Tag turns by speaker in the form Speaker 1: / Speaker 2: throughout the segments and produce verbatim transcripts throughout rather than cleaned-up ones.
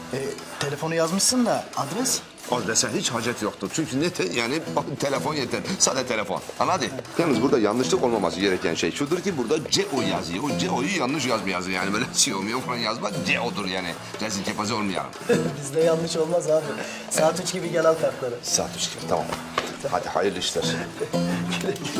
Speaker 1: E, telefonu yazmışsın da adres?
Speaker 2: Adrese hiç hacet yoktur. Çünkü ne te, yani telefon yeter. Sadece telefon. Anladın? Yalnız burada yanlışlık olmaması gereken şey şudur ki burada C O yazıyor. O C O'yu yanlış yazma yazıyor. Yani böyle şey olmuyor falan yazma. C O'dur yani. Rezil kepaze olmayalım.
Speaker 1: Bizde yanlış olmaz abi. Saat üç gibi gel al kartları.
Speaker 2: Saat üç gibi tamam. Hadi hayırlı işler.
Speaker 1: Güle güle.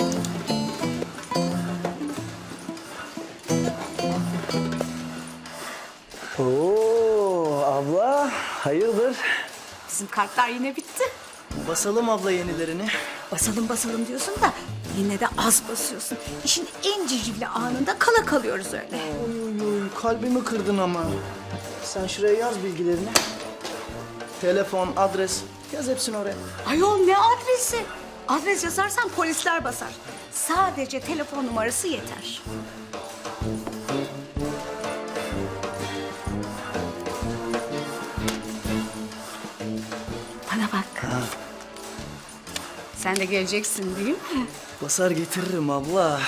Speaker 1: Oo abla hayırdır?
Speaker 3: Bizim kartlar yine bitti.
Speaker 1: Basalım abla yenilerini.
Speaker 3: Basalım basalım diyorsun da yine de az basıyorsun. İşin en civcivli anında kala kalıyoruz öyle.
Speaker 1: Oy oy oy kalbimi kırdın ama. Sen şuraya yaz bilgilerini. Telefon, adres yaz hepsini oraya.
Speaker 3: Ayol ne adresi? Adres yazarsan polisler basar. Sadece telefon numarası yeter. Bana bak. Sen de geleceksin değil mi?
Speaker 1: Basar getiririm abla.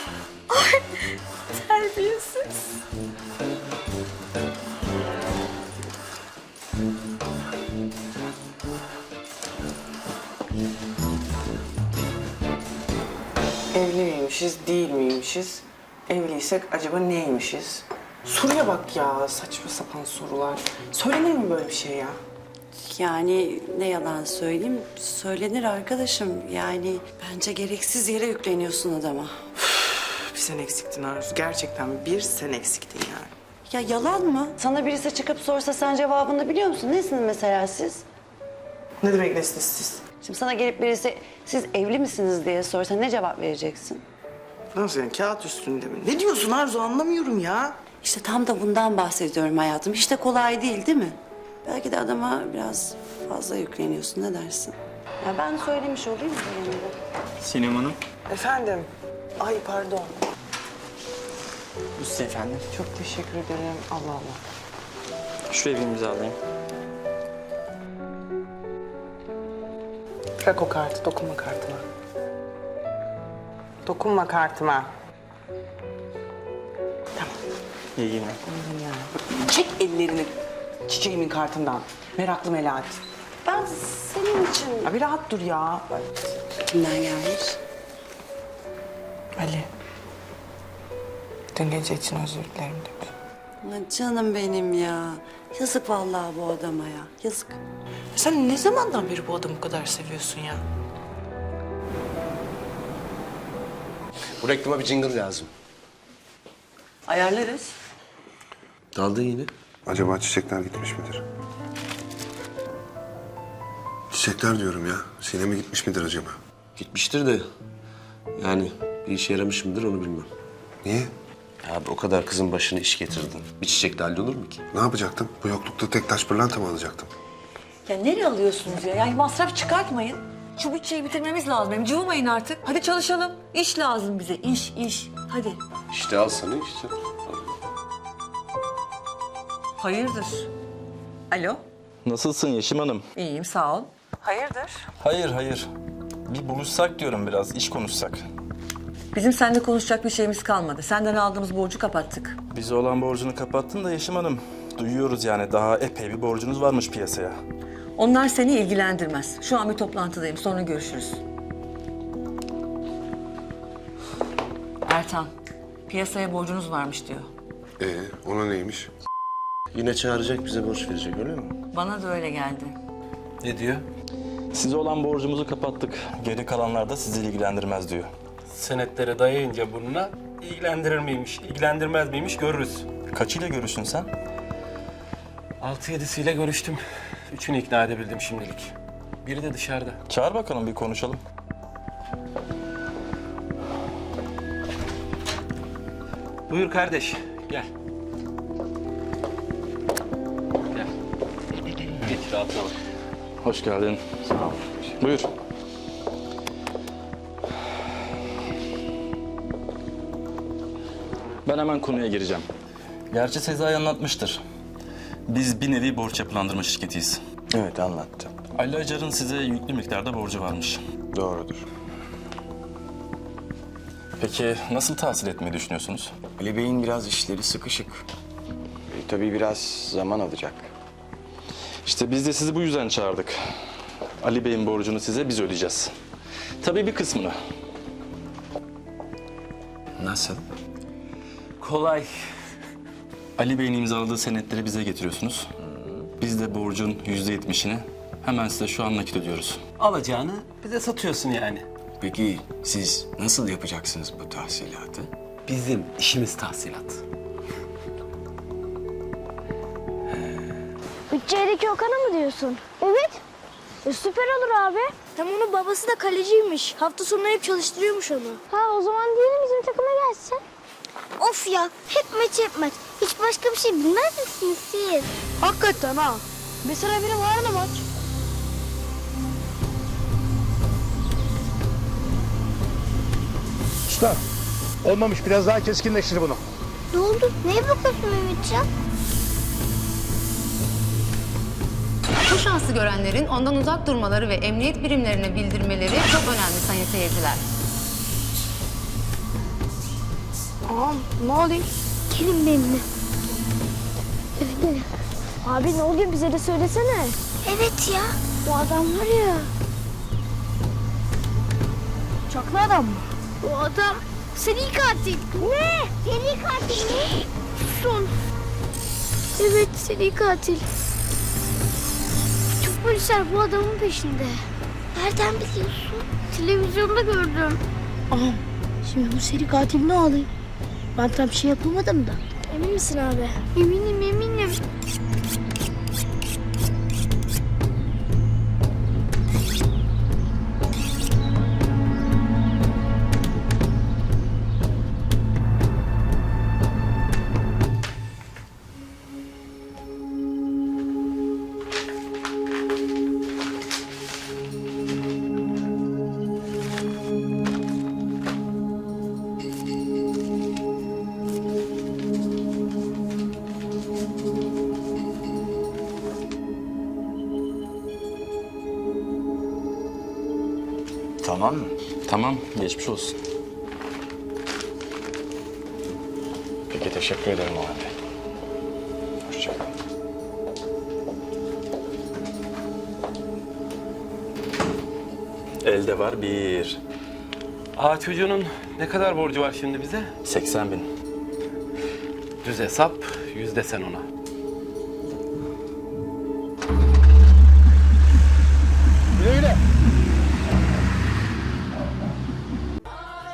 Speaker 3: Terbiyesiz.
Speaker 4: Evli miymişiz, değil miymişiz? Evliysek acaba neymişiz? Soruya bak ya, saçma sapan sorular. Söylenir mi böyle bir şey ya?
Speaker 5: Yani ne yalan söyleyeyim, söylenir arkadaşım. Yani bence gereksiz yere yükleniyorsun adama.
Speaker 4: Bir sen eksiktin Arzu, gerçekten bir sen eksiktin yani.
Speaker 5: Ya yalan mı? Sana birisi çıkıp sorsa sen cevabını biliyor musun? Nesiniz mesela siz?
Speaker 4: Ne demek nesiniz siz?
Speaker 5: Şimdi sana gelip birisi siz evli misiniz diye sorsa ne cevap vereceksin?
Speaker 4: Nasıl yani, kağıt üstünde mi? Ne diyorsun Arzu, anlamıyorum ya.
Speaker 5: İşte tam da bundan bahsediyorum hayatım. Hiç de kolay değil, değil mi? Belki de adama biraz fazla yükleniyorsun. Ne dersin? Ya ben söylemiş olayım da yanında.
Speaker 6: Sinem Hanım.
Speaker 4: Efendim? Ay pardon.
Speaker 6: Bu size efendim.
Speaker 4: Çok teşekkür ederim. Allah Allah.
Speaker 6: Şuraya bir imzalayayım.
Speaker 4: Bırak o kartı, dokunma kartıma. Dokunma kartıma. Tamam.
Speaker 6: İyi günler.
Speaker 4: Çek ellerini çiçeğimin kartından. Meraklı Melahat.
Speaker 5: Ben senin için...
Speaker 4: Ya bir rahat dur ya.
Speaker 5: Kimden gelmiş?
Speaker 4: Ali. Dün gece için özür dilerim demiş.
Speaker 5: Ulan canım benim ya. Yazık vallahi bu adama ya. Yazık.
Speaker 4: Sen ne zamandan beri bu adamı bu kadar seviyorsun ya?
Speaker 7: Bu reklama bir jingle lazım.
Speaker 5: Ayarlarız.
Speaker 7: Daldın yine.
Speaker 2: Acaba çiçekler gitmiş midir? Çiçekler diyorum ya. Sineme gitmiş midir acaba?
Speaker 7: Gitmiştir de yani bir işe yaramış mıdır onu bilmem.
Speaker 2: Niye?
Speaker 7: Abi o kadar kızın başına iş getirdin. Bir çiçekle hallolur mu ki?
Speaker 2: Ne yapacaktım? Bu yoklukta tek taş pırlanta mı alacaktım?
Speaker 8: Ya nereye alıyorsunuz ya? Yani masraf çıkartmayın. Şu bütçeyi bitirmemiz lazım. Hem cıvımayın artık. Hadi çalışalım. İş lazım bize. İş, iş. Hadi.
Speaker 7: İşte al sana işte.
Speaker 8: Hayırdır? Alo.
Speaker 9: Nasılsın Yeşim Hanım?
Speaker 8: İyiyim, sağ ol. Hayırdır?
Speaker 9: Hayır, hayır. Bir buluşsak diyorum biraz, iş konuşsak.
Speaker 8: Bizim seninle konuşacak bir şeyimiz kalmadı. Senden aldığımız borcu kapattık.
Speaker 9: Bize olan borcunu kapattın da Yeşim Hanım. Duyuyoruz yani daha epey bir borcunuz varmış piyasaya.
Speaker 8: Onlar seni ilgilendirmez. Şu an bir toplantıdayım. Sonra görüşürüz. Ertan, piyasaya borcunuz varmış diyor.
Speaker 2: Ee, ona neymiş?
Speaker 7: Yine çağıracak bize borç verecek öyle mi?
Speaker 8: Bana da öyle geldi.
Speaker 9: Ne diyor? Size olan borcumuzu kapattık. Geri kalanlar da sizi ilgilendirmez diyor.
Speaker 6: Senetlere dayayınca burnuna ilgilendirir miymiş, ilgilendirmez miymiş görürüz.
Speaker 9: Kaçıyla görüştün sen?
Speaker 6: Altı yedisiyle görüştüm. Üçünü ikna edebildim şimdilik. Biri de dışarıda.
Speaker 9: Çağır bakalım bir konuşalım.
Speaker 6: Buyur kardeş, gel. Gel. Geç rahatına bak.
Speaker 9: Hoş geldin. Sağ ol. Buyur. Ben hemen konuya gireceğim. Gerçi Sezai anlatmıştır. Biz bir nevi borç yapılandırma şirketiyiz.
Speaker 7: Evet anlattı.
Speaker 9: Ali Acar'ın size yüklü miktarda borcu varmış.
Speaker 7: Doğrudur.
Speaker 9: Peki nasıl tahsil etmeyi düşünüyorsunuz?
Speaker 10: Ali Bey'in biraz işleri sıkışık. E, tabii biraz zaman alacak.
Speaker 9: İşte biz de sizi bu yüzden çağırdık. Ali Bey'in borcunu size biz ödeyeceğiz. Tabii bir kısmını.
Speaker 2: Nasıl?
Speaker 6: Kolay.
Speaker 9: Ali Bey'in imzaladığı senetleri bize getiriyorsunuz. Biz de borcun yüzde yetmişini hemen size şu an nakit ödüyoruz.
Speaker 6: Alacağını bize satıyorsun yani.
Speaker 10: Peki siz nasıl yapacaksınız bu tahsilatı?
Speaker 6: Bizim işimiz tahsilat.
Speaker 11: Bütçedeki Okan'a mı diyorsun? Evet. E, süper olur abi. Hem onun babası da kaleciymiş. Hafta sonu hep çalıştırıyormuş onu. Ha o zaman diyelim bizim takıma gelsin. Of ya hep maç hep maç. Hiç başka bir şey bilmez misiniz siz? Hakikaten ha. Mesela benim var da maç.
Speaker 12: Usta, olmamış. Biraz daha keskinleştir bunu.
Speaker 11: Ne oldu? Neye bakıyorsun Mehmetcan?
Speaker 13: Bu şansı görenlerin ondan uzak durmaları ve emniyet birimlerine bildirmeleri çok önemli sayın seyirciler.
Speaker 11: Ağam ne oluyor? Gelin benimle. Evet gelin. Abi ne oluyor bize de söylesene. Evet ya. Bu adam var ya. Çaklı adam mı? O adam seri katil. Ne? Seri katil mi? Son. Evet seri katil. Çok polisler bu adamın peşinde. Nereden biliyorsun? Televizyonda gördüm. Ağam şimdi bu seri katil ne alayım? Ben tam bir şey yapamadım da. Emin misin abi? Eminim eminim.
Speaker 10: Tamam mı?
Speaker 9: Tamam, geçmiş olsun.
Speaker 10: Peki teşekkür ederim o halde. Hoşçakalın.
Speaker 9: Elde var bir.
Speaker 6: Aa çocuğunun ne kadar borcu var şimdi bize?
Speaker 9: seksen bin.
Speaker 6: Düz hesap, yüzde sen ona.
Speaker 12: Güle güle.